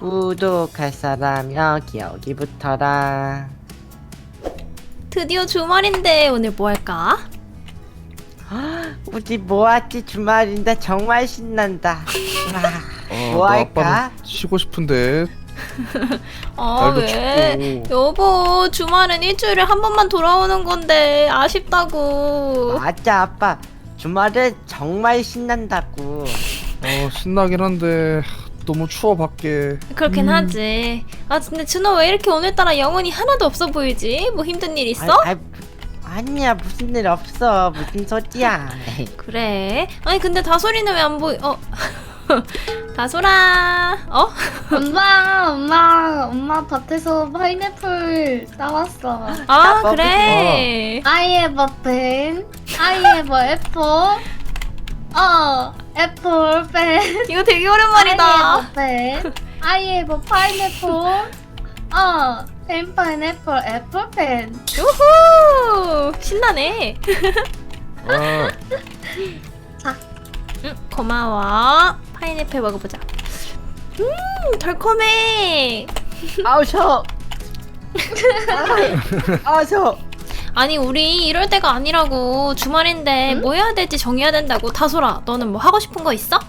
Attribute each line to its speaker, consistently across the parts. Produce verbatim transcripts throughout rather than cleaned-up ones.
Speaker 1: 구독할 사람 여기 여기부터라.
Speaker 2: 드디어 주말인데 오늘 뭐 할까?
Speaker 1: 우리 뭐하지? 주말인데 정말 신난다.
Speaker 3: 아,
Speaker 1: 뭐
Speaker 3: 나
Speaker 1: 할까?
Speaker 3: 아빠는 쉬고 싶은데.
Speaker 2: 아
Speaker 3: 날도
Speaker 2: 왜?
Speaker 3: 춥고.
Speaker 2: 여보 주말은 일주일에 한 번만 돌아오는 건데 아쉽다고.
Speaker 1: 맞아 아빠. 주말은 정말 신난다고.
Speaker 3: 어, 신나긴 한데 너무 추워 밖에.
Speaker 2: 그렇긴
Speaker 1: 음.
Speaker 2: 하지. 아 근데 준호 왜 이렇게 오늘따라 영혼이 하나도 없어 보이지? 뭐 힘든 일 있어?
Speaker 1: 아, 아, 아니야 무슨 일 없어. 무슨 소리야.
Speaker 2: 그래. 아니 근데 다솔이는 왜 안 보이? 어. 다솔아. 어?
Speaker 4: 엄마, 엄마, 엄마 밭에서 파인애플 따왔어.
Speaker 2: 아
Speaker 1: 먹-
Speaker 2: 그래.
Speaker 4: I have a pen. I have a apple. 어, 애플 pen.
Speaker 2: 이거 되게
Speaker 4: I
Speaker 2: 오랜만이다.
Speaker 4: have a pen. I have a pineapple. 어, pen pineapple apple pen.
Speaker 2: 우후. 신나네.
Speaker 3: 아,
Speaker 4: 자,
Speaker 2: 응, 고마워. 파인애플 먹어보자. 음, 달콤해.
Speaker 1: 아우 셔. 아우 셔.
Speaker 2: 아니, 우리 이럴 때가 아니라고. 주말인데
Speaker 4: 응?
Speaker 2: 뭐 해야 될지 정해야 된다고. 다솔아, 너는 뭐 하고 싶은 거 있어?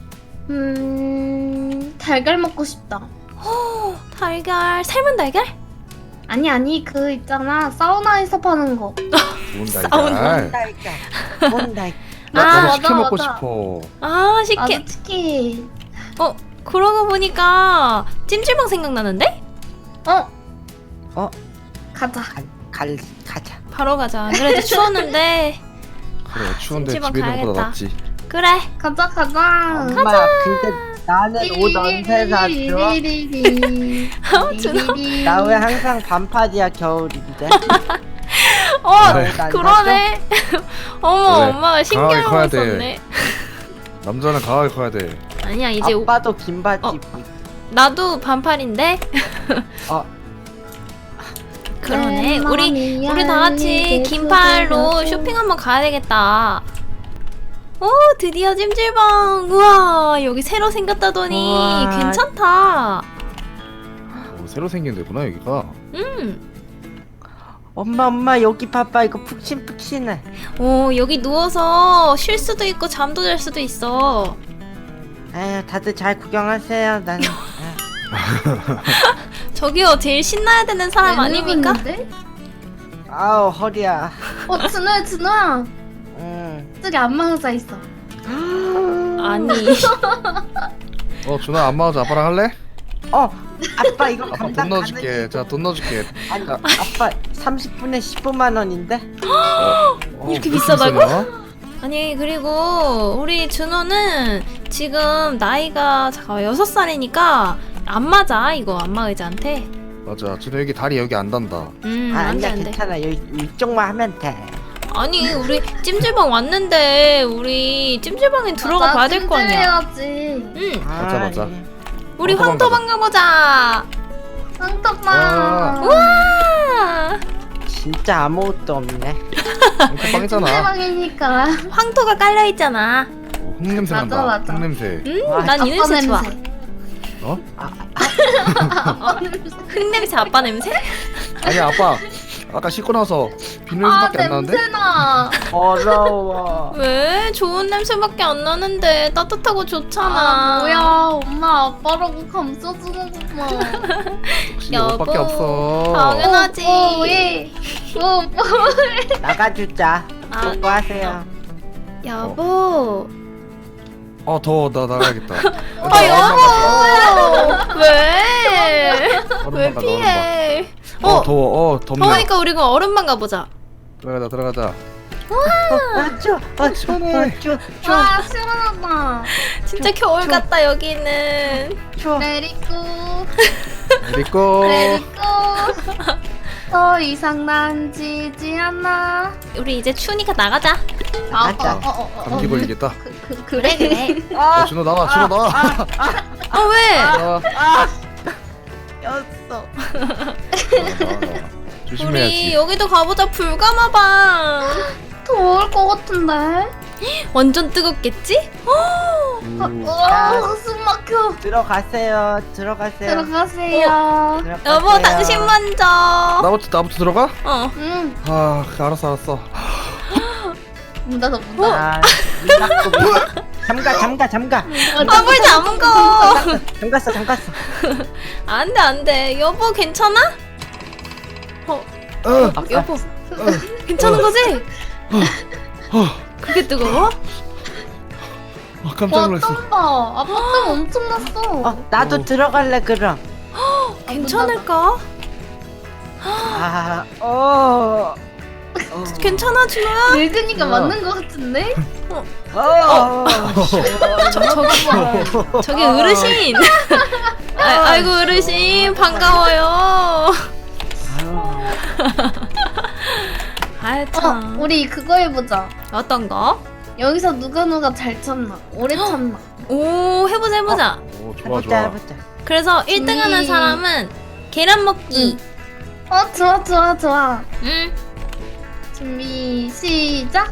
Speaker 4: 음, 달걀 먹고 싶다.
Speaker 2: 달걀, 삶은 달걀?
Speaker 4: 아니, 아니, 그 있잖아. 사우나에서 파는 거.
Speaker 3: 좋은
Speaker 2: 싸우는
Speaker 3: 달걀.
Speaker 1: 뭔달까? 뭔달.
Speaker 3: 나
Speaker 2: 아,
Speaker 3: 나도
Speaker 4: 맞아,
Speaker 3: 치킨 먹고
Speaker 4: 맞아.
Speaker 3: 싶어.
Speaker 2: 아, 식혜.
Speaker 4: 나도 치킨.
Speaker 2: 어, 그러고 보니까 찜질방 생각나는데?
Speaker 4: 어,
Speaker 1: 어?
Speaker 4: 가자.
Speaker 1: 갈, 갈 가자.
Speaker 2: 바로 가자. 안 그래도 추웠는데.
Speaker 3: 그래, 추운데
Speaker 2: 찜질방
Speaker 3: 집에 있는 것보다
Speaker 2: 가야겠다.
Speaker 3: 낫지.
Speaker 2: 그래.
Speaker 4: 가자, 가자.
Speaker 1: 엄마 근데 나는 옷 언제 사줘?
Speaker 2: 준호.
Speaker 1: 나 왜 항상 반팔이야 겨울인데?
Speaker 2: 어,
Speaker 3: 그래.
Speaker 1: 난
Speaker 2: 그러네. 어머,
Speaker 3: 그래.
Speaker 2: 엄마가 신경을
Speaker 3: 강하게 커야
Speaker 2: 못
Speaker 3: 돼.
Speaker 2: 썼네.
Speaker 3: 남자는 강하게 커야 돼.
Speaker 2: 아니야, 이제 오-
Speaker 1: 아빠도 긴 바지
Speaker 2: 어.
Speaker 1: 입고.
Speaker 2: 나도 반팔인데.
Speaker 1: 어.
Speaker 2: 그러네. 우리 우리 다 같이 긴팔로 쇼핑 한번 가야 되겠다. 오, 드디어 찜질방. 우와, 여기 새로 생겼다더니
Speaker 1: 우와.
Speaker 2: 괜찮다.
Speaker 3: 어, 새로 생긴 데구나 여기가.
Speaker 2: 음.
Speaker 1: 엄마 엄마 여기 봐봐 이거 푹신푹신해.
Speaker 2: 오, 여기 누워서 쉴 수도 있고 잠도 잘 수도 있어.
Speaker 1: 에휴 다들 잘 구경하세요. 나는 에휴.
Speaker 2: 저기요, 제일 신나야 되는 사람 아닙니까?
Speaker 1: 아우 허리야.
Speaker 4: 어, 준호야, 준호야.
Speaker 1: 음.
Speaker 4: 저기 안마의자 있어.
Speaker 2: 아니.
Speaker 3: 어, 준아 안 맞아. 아빠랑 할래?
Speaker 1: 어 아빠 이거
Speaker 3: 아빠
Speaker 1: 감당
Speaker 3: 돈 넣어줄게.
Speaker 1: 가능해?
Speaker 3: 자, 돈 넣어줄게.
Speaker 1: 아니 아빠 삼십 분에 십오만 원인데?
Speaker 3: 어,
Speaker 2: 이렇게
Speaker 3: 그렇게
Speaker 2: 비싸다고?
Speaker 3: 비싸냐?
Speaker 2: 아니, 그리고 우리 준호는 지금 나이가 잠깐 여섯 살이니까 안 맞아, 이거 안마의자한테.
Speaker 3: 맞아. 준아 여기 다리 여기 안 단다.
Speaker 2: 음,
Speaker 1: 아
Speaker 2: 안 돼,
Speaker 1: 아니야
Speaker 2: 안 돼.
Speaker 1: 괜찮아 여기 이쪽만 하면 돼.
Speaker 2: 아니, 우리 찜질방 왔는데 우리 찜질방에 들어가 봐야 될 거 아니야.
Speaker 4: 찜질해야지.
Speaker 2: 응,
Speaker 3: 맞아, 맞아.
Speaker 1: 예.
Speaker 2: 우리
Speaker 3: 황토방
Speaker 2: 황토방 가보자.
Speaker 4: 황토방.
Speaker 2: 우와,
Speaker 1: 진짜 아무것도 없네.
Speaker 3: 이렇게 빵이잖아.
Speaker 4: 찜질방이니까.
Speaker 2: 황토가 깔려 있잖아.
Speaker 3: 어, 흙 냄새
Speaker 4: 맞아,
Speaker 3: 난다.
Speaker 4: 맞아.
Speaker 3: 흙 냄새.
Speaker 2: 음,
Speaker 1: 와,
Speaker 2: 난 이
Speaker 4: 아빠
Speaker 2: 냄새 좋아.
Speaker 3: 어?
Speaker 2: 흙 냄새, 아빠 냄새?
Speaker 3: 아니 아빠. 아까 씻고 나서 비 냄새밖에 안 나는데?
Speaker 4: 냄새나.
Speaker 1: 더러워.
Speaker 2: 왜? 좋은 냄새밖에 안 나는데 따뜻하고 좋잖아.
Speaker 4: 아, 뭐야. 엄마 아빠라고 감싸주는구만.
Speaker 3: 역시 너밖에 없어.
Speaker 2: 당연하지.
Speaker 4: 오, 예. 오, 오.
Speaker 1: 나가주자.
Speaker 2: 아.
Speaker 1: 수고하세요.
Speaker 2: 여보.
Speaker 3: 어 더워. 나 나가야겠다.
Speaker 2: 아, 여보. 왜? 왜 피해?
Speaker 3: 어,
Speaker 2: 어,
Speaker 3: 더워. 어 덥네.
Speaker 2: 더우니까 우리 그럼 얼음방 가보자.
Speaker 3: 들어가자 들어가자.
Speaker 1: 아 추워. 아
Speaker 3: 시원해.
Speaker 1: 아, 추워. 추워.
Speaker 4: 와, 시원하다.
Speaker 2: 진짜 겨울
Speaker 1: 좀-
Speaker 2: 같다 여기는.
Speaker 1: 추워.
Speaker 4: 레리꾸.
Speaker 3: 리꼬.
Speaker 4: 레리꾸. 더 이상 만지지 않아.
Speaker 2: 우리 이제 추우니까 나가자.
Speaker 1: 맞아.
Speaker 4: 어, 어, 어, 어.
Speaker 3: 감기 걸리겠다.
Speaker 4: 그, 그, 그래, 그래.
Speaker 3: 어, 준호 나와. 준호 나와.
Speaker 2: 아 왜?
Speaker 3: 나와.
Speaker 1: 였어.
Speaker 3: 나와, 나와.
Speaker 2: 우리
Speaker 3: 조심해야지.
Speaker 2: 여기도 가보자. 불가마방.
Speaker 4: 더울 것 같은데?
Speaker 2: 완전 뜨겁겠지?
Speaker 3: 오.
Speaker 4: 와, 숨 숨 막혀.
Speaker 1: 들어가세요. 들어가세요.
Speaker 4: 들어가세요.
Speaker 1: 들어가세요.
Speaker 2: 여보 당신 먼저.
Speaker 3: 나부터 나부터 들어가?
Speaker 2: 어.
Speaker 4: 응.
Speaker 3: 아 알았어 알았어.
Speaker 4: 문 닫아 문 닫아.
Speaker 1: 아, 문 닫고 문 닫- 잠가 잠가 잠가.
Speaker 2: 아 물 잠궈.
Speaker 1: 잠갔어 잠갔어.
Speaker 2: 안돼 안돼. 여보 괜찮아? 어
Speaker 3: 어,
Speaker 1: 아,
Speaker 2: 여보 괜찮은 거지?
Speaker 3: 어,
Speaker 2: 그게 뜨거워?
Speaker 3: 어, 깜짝 놀랐어.
Speaker 4: 어떤 봐. 아빠 땀 엄청 났어.
Speaker 1: 어, 나도
Speaker 3: 어.
Speaker 1: 들어갈래 그럼.
Speaker 2: 괜찮을까?
Speaker 1: 아, 어. 어.
Speaker 2: 괜찮아 준호야?
Speaker 4: 늙으니까
Speaker 1: 어.
Speaker 4: 맞는 거 같은데?
Speaker 1: 어.
Speaker 2: 저기 저기 어르신. 아, 아이고 어르신 반가워요. 아이
Speaker 4: 어,
Speaker 2: 참.
Speaker 4: 우리 그거 해보자.
Speaker 2: 어떤 거?
Speaker 4: 여기서 누가 누가 잘 쳤나? 오래 쳤나?
Speaker 2: 오 해보자 해보자.
Speaker 3: 오 좋아
Speaker 1: 해보자
Speaker 3: 좋아.
Speaker 1: 해보자.
Speaker 2: 그래서 일 등 하는
Speaker 4: 음.
Speaker 2: 사람은 계란 먹기.
Speaker 4: 어, 좋아, 좋아, 좋아.
Speaker 2: 응.
Speaker 4: 준비, 시작!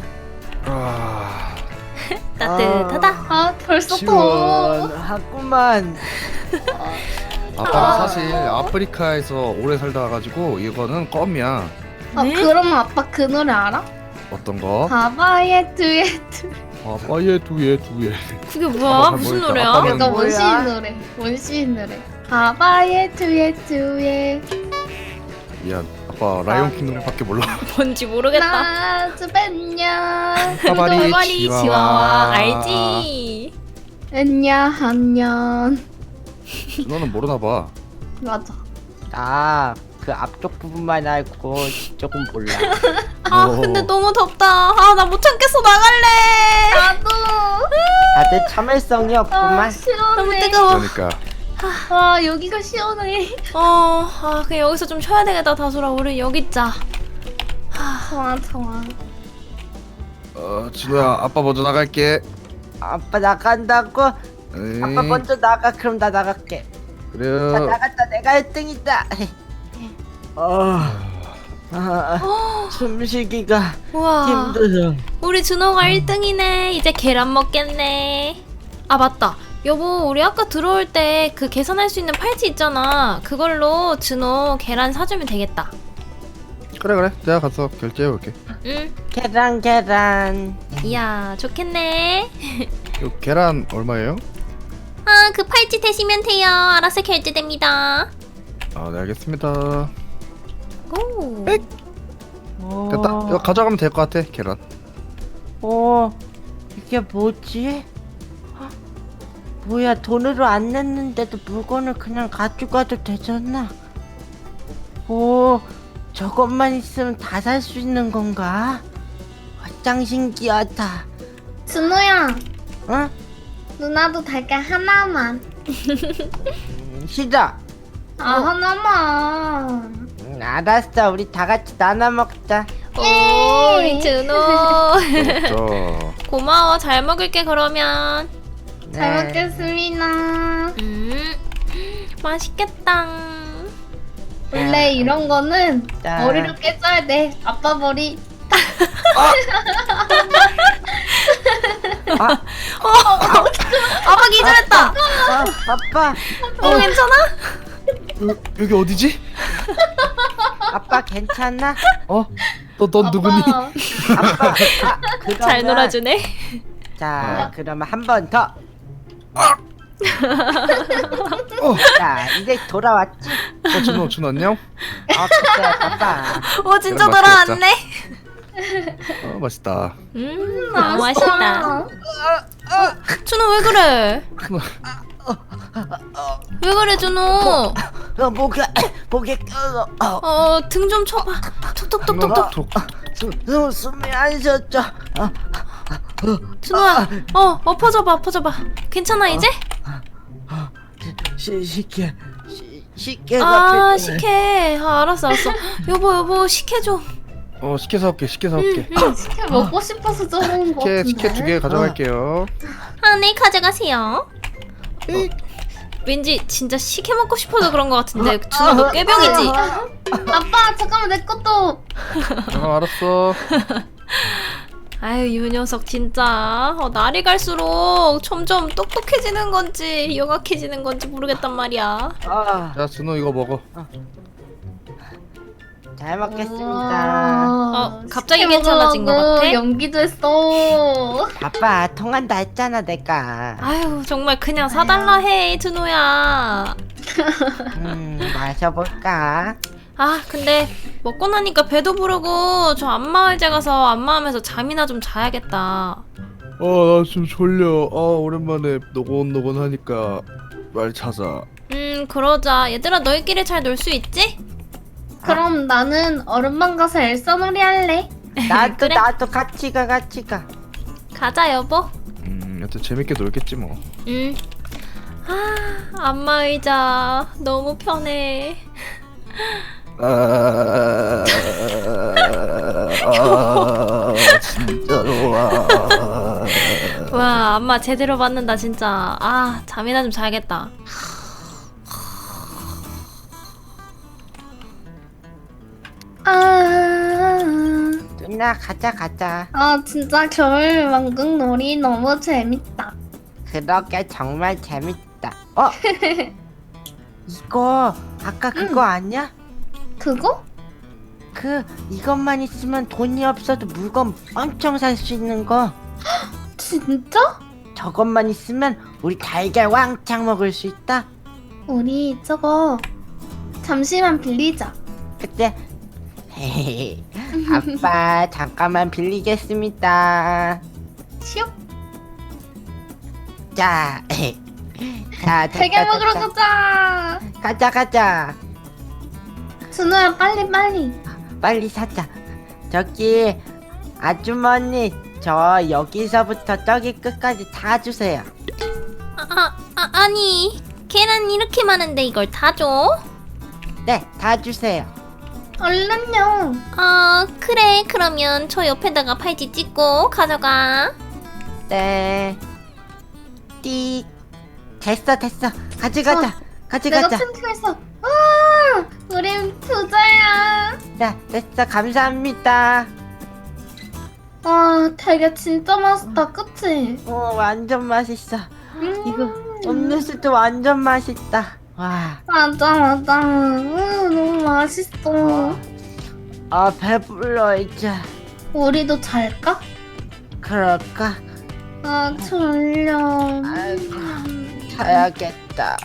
Speaker 3: 아,
Speaker 2: 따뜻하다.
Speaker 4: 아, 벌써 더워.
Speaker 1: 시원하구만.
Speaker 3: 아빠가 사실 아프리카에서 오래 살다 와가지고 이거는 껌이야.
Speaker 4: 어,
Speaker 2: 네?
Speaker 4: 그러면 아빠 그 노래 알아?
Speaker 3: 어떤 거?
Speaker 4: 바바의 두엣.
Speaker 3: 아빠의 두예 두예.
Speaker 2: 그게
Speaker 3: 아빠
Speaker 2: 뭐야?
Speaker 3: 잘
Speaker 2: 무슨
Speaker 3: 모르겠다.
Speaker 2: 노래야?
Speaker 3: 아빠는
Speaker 4: 약간
Speaker 1: 뭐야?
Speaker 4: 원시인 노래. 원시인 노래. 바바의 두엣 두엣.
Speaker 3: 미안. 아빠 라이온킹 노래밖에 몰라.
Speaker 2: 뭔지 모르겠다.
Speaker 4: 나주 벤냐.
Speaker 3: 빠바리
Speaker 2: 돌발이
Speaker 3: 치와와.
Speaker 2: 치와와 알지?
Speaker 4: enya 한년.
Speaker 3: 너는 모르나 봐.
Speaker 4: 맞아.
Speaker 1: 나 그 앞쪽 부분만 알고 뒤쪽은 몰라.
Speaker 2: 아
Speaker 3: 오.
Speaker 2: 근데 너무 덥다. 아 나 못 참겠어 나갈래.
Speaker 4: 나도.
Speaker 1: 다들 참을성이
Speaker 4: 아,
Speaker 1: 없구만.
Speaker 4: 시원해.
Speaker 2: 너무 뜨거워.
Speaker 3: 그러니까.
Speaker 4: 와, 여기가 시원해.
Speaker 2: 어, 아 그냥 여기서 좀 쉬어야 되겠다 다솔아. 우리 여기 있자.
Speaker 4: 좋아, 좋아.
Speaker 3: 어 진우야 아빠 먼저 나갈게.
Speaker 1: 아빠 나간다고?
Speaker 3: 에이,
Speaker 1: 아빠 먼저 나가. 그럼 나 나갈게. 자
Speaker 3: 그래.
Speaker 1: 나갔다. 내가 일 등이다. 어, 아, 숨쉬기가
Speaker 2: 우와.
Speaker 1: 힘들어.
Speaker 2: 우리 준호가 일 등이네. 이제 계란 먹겠네. 아 맞다. 여보 우리 아까 들어올 때 그 계산할 수 있는 팔찌 있잖아. 그걸로 준호 계란 사주면 되겠다.
Speaker 3: 그래 그래. 내가 가서 결제해 볼게.
Speaker 2: 응.
Speaker 1: 계란 계란.
Speaker 2: 이야 좋겠네.
Speaker 3: 이 계란 얼마예요?
Speaker 2: 아 그 팔찌 대시면 돼요. 알아서 결제됩니다.
Speaker 3: 아 네 알겠습니다.
Speaker 2: 오.
Speaker 1: 오.
Speaker 3: 됐다. 이거 가져가면 될 것 같아 계란.
Speaker 1: 어, 이게 뭐지? 헉, 뭐야, 돈으로 안 냈는데도 물건을 그냥 가져가도 되잖아. 오, 저것만 있으면 다 살 수 있는 건가? 아, 짱 신기하다.
Speaker 4: 준호야,
Speaker 1: 응?
Speaker 4: 누나도 달걀 하나만.
Speaker 1: 음, 싫어.
Speaker 4: 아, 하나만.
Speaker 1: 음, 알았어, 우리 다 같이 나눠 먹자.
Speaker 2: 오 우리 준호.
Speaker 3: 저
Speaker 2: 고마워. 잘 먹을게 그러면.
Speaker 4: 잘
Speaker 1: 네.
Speaker 4: 먹겠습니다.
Speaker 2: 음 맛있겠다.
Speaker 4: 원래 이런 거는
Speaker 1: 자.
Speaker 4: 머리로 깨져야 돼. 아빠 머리.
Speaker 1: 아,
Speaker 2: 아빠 기절했다.
Speaker 1: 아, 아빠,
Speaker 2: 어 괜찮아?
Speaker 3: 여, 여기 어디지?
Speaker 1: 아빠 괜찮아?
Speaker 3: 어? 너 넌 누구니?
Speaker 4: 아빠.
Speaker 1: 아빠, 아, 그러면,
Speaker 2: 잘 놀아주네.
Speaker 1: 자, 그러면 한 번 더.
Speaker 3: 어,
Speaker 1: 자, 이제 돌아왔지?
Speaker 3: 어 준호 준호 안녕?
Speaker 1: 어, 그래, 아빠.
Speaker 2: 오 진짜
Speaker 3: 그럼
Speaker 2: 돌아왔네.
Speaker 3: 어 맛있다.
Speaker 2: 음 너무 맛있다. 준호 왜 그래? 왜 그래 준호?
Speaker 1: 어, 목에, 목에, 어, 어,
Speaker 2: 어 등 좀 쳐봐. 톡톡톡톡톡.
Speaker 3: 톡.
Speaker 1: 숨, 숨, 숨이 안 쉬었죠? 어,
Speaker 2: 준호야. 어 엎어져봐 엎어져봐. 괜찮아 이제?
Speaker 1: 시, 식혜, 시, 식혜가
Speaker 2: 아
Speaker 1: 필요해.
Speaker 2: 식혜. 아 알았어 알았어. 여보 여보 식혜 좀.
Speaker 3: 어 식혜 사올게. 식혜 사올게.
Speaker 4: 식혜 먹고 싶어서 저런 거
Speaker 3: 식혜
Speaker 4: 같은데.
Speaker 3: 식혜 두 개 가져갈게요.
Speaker 2: 아네 가져가세요. 왠지 진짜 식혜 먹고 싶어서 그런 것 같은데 준호 너 꾀병이지?
Speaker 4: 아빠, 잠깐만 내 것도.
Speaker 3: 어 알았어.
Speaker 2: 아유 이 녀석 진짜 어, 날이 갈수록 점점 똑똑해지는 건지 영악해지는 건지 모르겠단 말이야.
Speaker 1: 어,
Speaker 3: 자 준호 이거 먹어.
Speaker 1: 잘 먹겠습니다.
Speaker 2: 어, 갑자기
Speaker 4: 치킨
Speaker 2: 괜찮아진 것
Speaker 4: 먹으려고
Speaker 2: 같아?
Speaker 4: 연기도 했어.
Speaker 1: 아빠 통한다 했잖아 내가.
Speaker 2: 아유 정말 그냥 사달라 해 준호야.
Speaker 1: 음 마셔볼까?
Speaker 2: 아 근데 먹고 나니까 배도 부르고 저 안마의자 가서 안마하면서 잠이나 좀 자야겠다.
Speaker 3: 어나 좀 졸려. 아 오랜만에 노곤노곤하니까 말 찾아.
Speaker 2: 음 그러자. 얘들아 너희끼리 잘 놀 수 있지?
Speaker 4: 그럼 나는 얼음방 가서 엘사 놀이 할래.
Speaker 1: 나도
Speaker 2: 그래?
Speaker 1: 나도 같이 가 같이 가.
Speaker 2: 가자 여보.
Speaker 3: 음 여튼 재밌게 놀겠지 뭐.
Speaker 2: 음. 아 안마의자 너무 편해.
Speaker 3: 아, 아 진짜 좋아.
Speaker 2: 와 안마 제대로 받는다 진짜. 아 잠이나 좀 자야겠다.
Speaker 4: 아,
Speaker 1: 누나 가자 가자.
Speaker 4: 아 진짜 겨울 왕국 놀이 너무 재밌다.
Speaker 1: 그러게 정말 재밌다. 어? 이거 아까 그거 아니야?
Speaker 4: 그거?
Speaker 1: 그 이것만 있으면 돈이 없어도 물건 엄청 살 수 있는 거.
Speaker 4: 진짜?
Speaker 1: 저것만 있으면 우리 달걀 왕창 먹을 수 있다.
Speaker 4: 우리 저거 잠시만 빌리자.
Speaker 1: 그때 아빠 잠깐만 빌리겠습니다.
Speaker 4: 시오.
Speaker 1: 자, 자
Speaker 4: 달걀
Speaker 1: 됐다,
Speaker 4: 먹으러
Speaker 1: 됐다.
Speaker 4: 가자.
Speaker 1: 가자 가자.
Speaker 4: 준호야 빨리 빨리.
Speaker 1: 빨리 사자. 저기 아주머니 저 여기서부터 저기 끝까지 다 주세요.
Speaker 2: 아, 아, 아 아니 계란 이렇게 많은데 이걸 다 줘?
Speaker 1: 네, 다 주세요.
Speaker 4: 얼른요.
Speaker 2: 아 그래 그러면 저 옆에다가 팔찌 찍고 가져가.
Speaker 1: 네. 띠. 됐어 됐어. 가져가자.
Speaker 4: 내가
Speaker 1: 가져가자.
Speaker 4: 튼튼했어. 와, 우린 부자야.
Speaker 1: 자, 됐어. 감사합니다.
Speaker 4: 와, 달걀 진짜 맛있다, 그치?
Speaker 1: 어, 완전 맛있어.
Speaker 4: 음,
Speaker 1: 이거 음료수도 완전 맛있다. 와.
Speaker 4: 맞아, 맞아. 음, 너무 맛있어.
Speaker 1: 아, 배불러 이제.
Speaker 4: 우리도 잘까?
Speaker 1: 그럴까?
Speaker 4: 아, 졸려.
Speaker 1: 아이고, 자야겠다.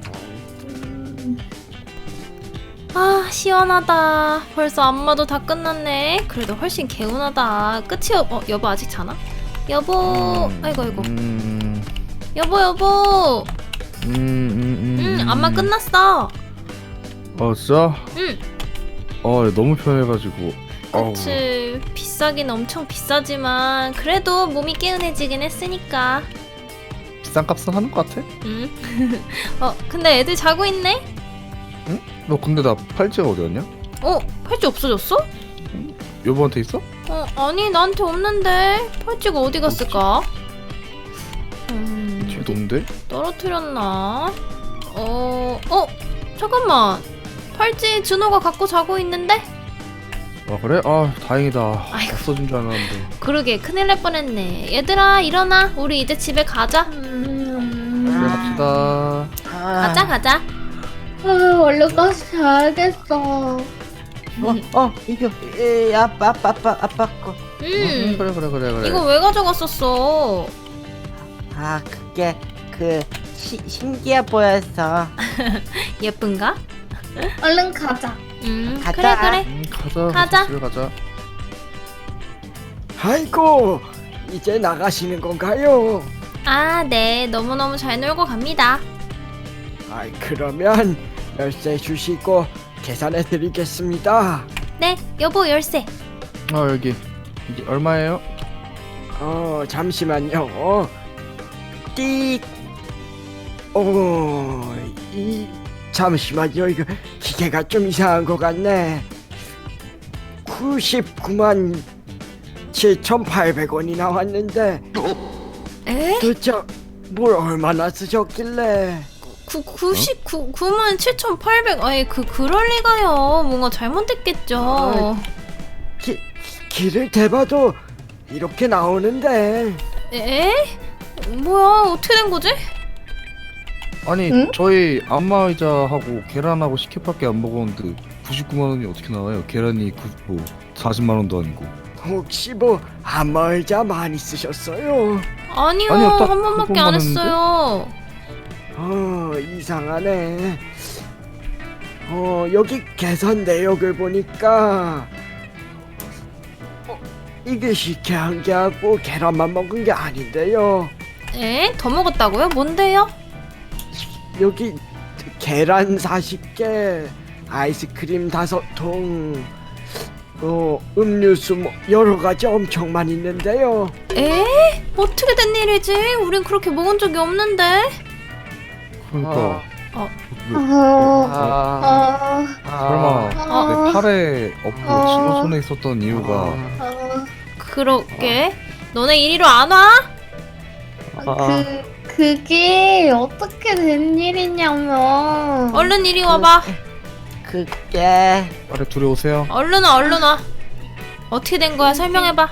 Speaker 2: 아 시원하다. 벌써 안마도 다 끝났네. 그래도 훨씬 개운하다. 끝이 없... 어 여보 아직 자나? 여보
Speaker 3: 음,
Speaker 2: 아이고 아이고
Speaker 3: 음,
Speaker 2: 여보 여보
Speaker 3: 음, 음, 음,
Speaker 2: 응 안마 끝났어.
Speaker 3: 어 진짜?
Speaker 2: 응
Speaker 3: 어 너무 편해가지고. 어우.
Speaker 2: 그치 비싸긴 엄청 비싸지만 그래도 몸이 개운해지긴 했으니까.
Speaker 3: 비싼 값은 하는 것 같아?
Speaker 2: 응. 어 근데 애들 자고 있네?
Speaker 3: 너 근데 나 팔찌가 어디 갔냐?
Speaker 2: 어 팔찌 없어졌어?
Speaker 3: 여보한테 있어?
Speaker 2: 어 아니 나한테 없는데 팔찌가 어디 갔을까? 음
Speaker 3: 뒤에도 없는데?
Speaker 2: 떨어뜨렸나? 어, 어, 잠깐만. 팔찌 준호가 갖고 자고 있는데?
Speaker 3: 아 그래? 아 다행이다.
Speaker 2: 아이고.
Speaker 3: 없어진 줄 알았는데.
Speaker 2: 그러게 큰일 날 뻔했네. 얘들아 일어나. 우리 이제 집에 가자.
Speaker 4: 음,
Speaker 3: 그래 갑시다.
Speaker 1: 아,
Speaker 2: 가자 가자.
Speaker 4: 아, 얼른 가서 자야겠어.
Speaker 1: 어, 어, 이거 에, 아빠, 아빠, 아빠, 아빠 거.
Speaker 2: 음,
Speaker 3: 그래 그래 그래 그래.
Speaker 2: 이거 왜 가져갔었어?
Speaker 1: 아, 그게 그 시, 신기해 보여서.
Speaker 2: 예쁜가?
Speaker 4: 얼른 가자.
Speaker 2: 음,
Speaker 1: 가자.
Speaker 2: 그래 그래.
Speaker 3: 음, 가자.
Speaker 2: 가자.
Speaker 3: 집에 가자.
Speaker 5: 아이고 이제 나가시는 건가요?
Speaker 2: 아, 네. 너무너무 잘 놀고 갑니다.
Speaker 5: 아이 그러면 열쇠 주시고 계산해 드리겠습니다.
Speaker 2: 네, 여보 열쇠.
Speaker 3: 아 여기 이게 얼마예요?
Speaker 5: 어 잠시만요. 어. 띡. 오이 잠시만요. 이거 기계가 좀 이상한 것 같네. 구십구만 칠천팔백 원이 나왔는데
Speaker 2: 에?
Speaker 5: 도대체 뭘 얼마나 쓰셨길래?
Speaker 2: 구, 구십구, 구만 칠천팔백. 아이, 그, 그럴 리가요. 뭔가 잘못됐겠죠.
Speaker 5: 기, 길을 대봐도 이렇게 나오는데.
Speaker 2: 에? 뭐야 어떻게 된 거지?
Speaker 3: 아니
Speaker 4: 응?
Speaker 3: 저희 안마의자하고 계란하고 식혜밖에 안 먹었는데 구십구만 원이 어떻게 나와요? 계란이 구, 뭐 사십만 원도 아니고.
Speaker 5: 혹시 뭐 안마의자 많이 쓰셨어요?
Speaker 2: 아니요,
Speaker 3: 아니요, 딱
Speaker 2: 한 번밖에
Speaker 3: 그것만
Speaker 2: 안
Speaker 3: 했는데?
Speaker 2: 했어요.
Speaker 5: 어, 이상하네. 어, 여기 계산 내역을 보니까 어, 이게 식혜 한 개하고 계란만 먹은 게 아닌데요.
Speaker 2: 에? 더 먹었다고요? 뭔데요?
Speaker 5: 여기 계란 사십 개, 아이스크림 다섯 통, 어, 음료수 뭐 여러 가지 엄청만 있는데요.
Speaker 2: 에? 어떻게 된 일이지? 우린 그렇게 먹은 적이 없는데.
Speaker 3: 그러니까
Speaker 2: 어.
Speaker 3: 왜,
Speaker 4: 어,
Speaker 1: 아,
Speaker 4: 어,
Speaker 3: 설마
Speaker 2: 어.
Speaker 3: 내 팔에 엎고
Speaker 4: 어.
Speaker 3: 친구 손에 있었던 이유가
Speaker 4: 어,
Speaker 2: 그러게. 너네 이리로 안 와?
Speaker 4: 그, 그게 어떻게 된 일이냐면.
Speaker 2: 얼른 이리 와봐.
Speaker 1: 그게
Speaker 3: 빨리 둘이 오세요.
Speaker 2: 얼른 와, 얼른 와. 어떻게 된 거야? 설명해봐.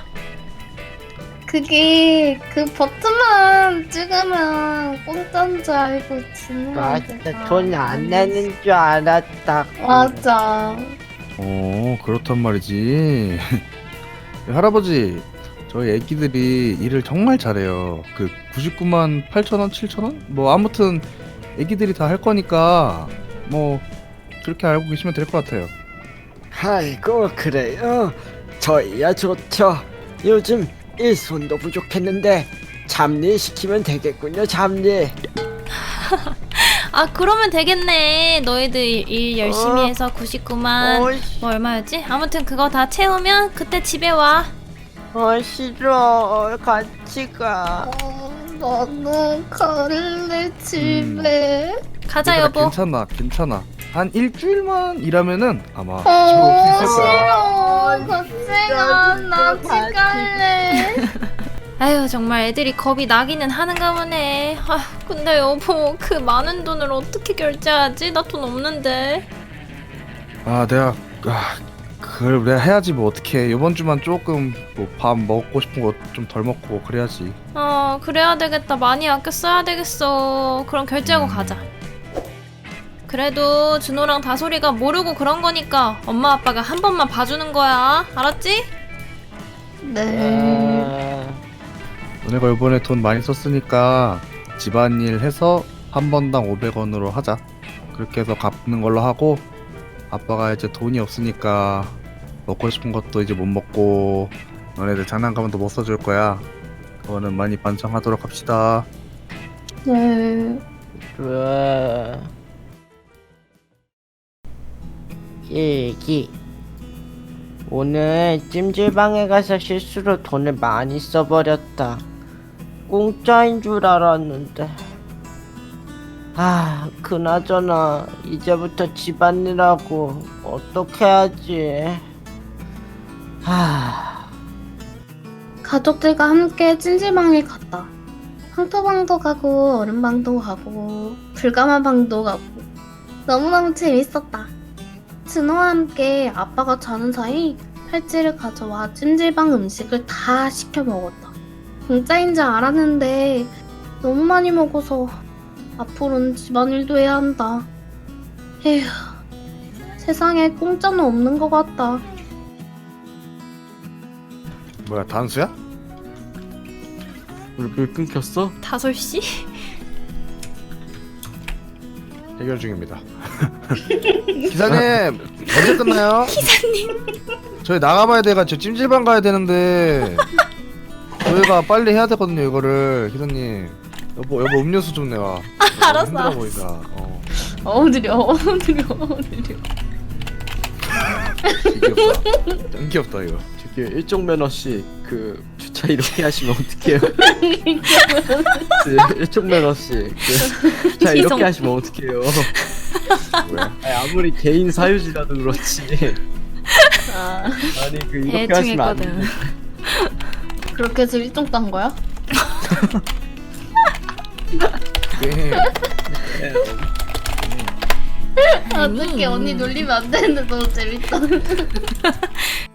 Speaker 4: 그게 그 버튼만 찍으면 공짜인 줄 알고 주는
Speaker 1: 맞아, 돈 안 내는 줄 알았다.
Speaker 4: 맞아.
Speaker 3: 어 그렇단 말이지. 할아버지 저희 애기들이 일을 정말 잘해요. 그 구십구만 팔천 원, 칠천 원? 뭐 아무튼 애기들이 다 할 거니까 뭐 그렇게 알고 계시면 될 것 같아요.
Speaker 5: 아이고, 그래요? 저희야 좋죠. 요즘 일손도 부족했는데 잡일 시키면 되겠군요. 잡일.
Speaker 2: 아, 그러면 되겠네. 너희들 일, 일 열심히
Speaker 1: 어.
Speaker 2: 해서 구십구만
Speaker 1: 어,
Speaker 2: 뭐 얼마였지? 아무튼 그거 다 채우면 그때 집에 와.
Speaker 1: 어 싫어. 같이 가.
Speaker 4: 어, 나는 갈래 집에.
Speaker 2: 가자,
Speaker 3: 얘들아,
Speaker 2: 여보.
Speaker 3: 괜찮아 괜찮아. 한 일주일만 일하면은 아마 집에
Speaker 4: 어,
Speaker 3: 올수 있을 거야.
Speaker 4: 싫어. 같이 가. 나 집 갈래.
Speaker 2: 아유, 정말 애들이 겁이 나기는 하는가 보네. 아, 근데 여보, 그 많은 돈을 어떻게 결제하지? 나 돈 없는데.
Speaker 3: 아 내가 아, 그걸 내가 해야지 뭐 어떡해. 이번 주만 조금 뭐 밥 먹고 싶은 거 좀 덜 먹고 그래야지.
Speaker 2: 어, 그래야 되겠다. 많이 아껴 써야 되겠어. 그럼 결제하고 가자. 그래도 준호랑 다솔이가 모르고 그런 거니까 엄마 아빠가 한 번만 봐주는 거야. 알았지?
Speaker 4: 네.
Speaker 1: 어,
Speaker 3: 너네가 이번에 돈 많이 썼으니까 집안일 해서 한 번당 오백 원으로 하자. 그렇게 해서 갚는 걸로 하고 아빠가 이제 돈이 없으니까 먹고 싶은 것도 이제 못 먹고 너네들 장난감도 못 사줄 거야. 그거는 많이 반성하도록 합시다.
Speaker 4: 네.
Speaker 1: 그래. 얘기. 오늘 찜질방에 가서 실수로 돈을 많이 써버렸다. 공짜인 줄 알았는데. 아, 그나저나 이제부터 집안일하고 어떻게 하지? 하...
Speaker 4: 가족들과 함께 찜질방에 갔다. 황토방도 가고 얼음방도 가고 불가마방도 가고 너무너무 재밌었다. 준호와 함께 아빠가 자는 사이 팔찌를 가져와 찜질방 음식을 다 시켜 먹었다. 공짜인 줄 알았는데 너무 많이 먹어서 앞으로는 집안일도 해야 한다. 에휴, 세상에 공짜는 없는 것 같다.
Speaker 3: 뭐야 단수야?
Speaker 5: 물 끊겼어?
Speaker 2: 다솔씨?
Speaker 3: 해결 중입니다. 기사님 언제 끝나요?
Speaker 2: 기사님.
Speaker 3: 저희 나가봐야 돼가지고 찜질방 가야 되는데 저희가 빨리 해야 되거든요 이거를. 기사님 여보 여보 음료수 좀 내와.
Speaker 2: 알았어,
Speaker 3: 힘들어
Speaker 2: 알았어.
Speaker 3: 보인다. 어.
Speaker 4: 어우 느려 어우 느려 어우 느려.
Speaker 3: 귀엽다. 짱 귀엽다 이거.
Speaker 5: 저기 일종 면허씨 그 주차 이렇게 하시면 어떡해요? 그 일종 면허씨 그 주차 이렇게
Speaker 2: 지성.
Speaker 5: 하시면 어떡해요?
Speaker 3: 왜?
Speaker 5: 아니, 아무리 개인 사유지라도 그렇지.
Speaker 4: 아
Speaker 5: 아니 그 이렇게 하시면 안 돼.
Speaker 2: 대충했거든.
Speaker 4: 그렇게 해서 일종 딴 거야?
Speaker 3: 네.
Speaker 4: 어떻게 언니 놀리면 안 되는데 너무 재밌다.